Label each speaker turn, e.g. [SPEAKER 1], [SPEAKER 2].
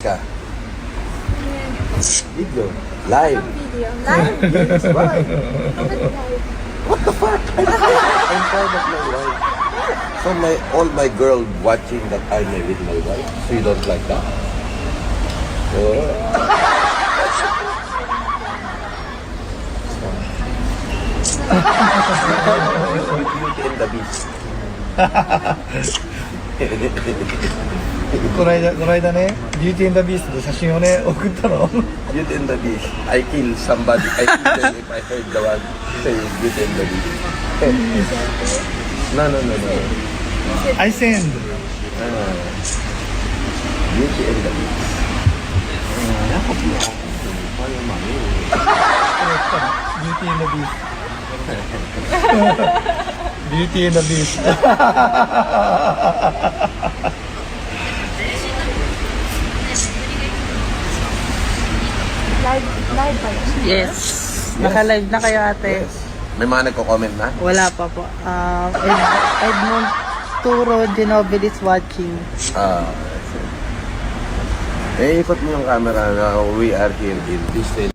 [SPEAKER 1] ka. Video. Live.
[SPEAKER 2] Video. Live?
[SPEAKER 1] Yes, why?
[SPEAKER 2] Bakit live?
[SPEAKER 1] What the fuck? I'm proud of my wife. So all my girl watching that I'm with my wife. So you don't like that? Beauty and the Beast.
[SPEAKER 3] この間ね、ビューティー&ビーストで写真をね、送ったの。
[SPEAKER 1] Beauty and the Beast. I kill somebody. I kill them if I heard the one say Beauty and the Beast. No.
[SPEAKER 3] I send.
[SPEAKER 1] Beauty and the Beast.
[SPEAKER 3] ビューティー&ビースト。ビューティー&ビースト。
[SPEAKER 2] Live ba yun?
[SPEAKER 4] Yes. Naka-live na kayo ate.
[SPEAKER 1] Yes. May mga nagko-comment na?
[SPEAKER 4] Wala pa po. Edmond Turo Genobil is watching.
[SPEAKER 1] Ikot mo yung camera na we are here in this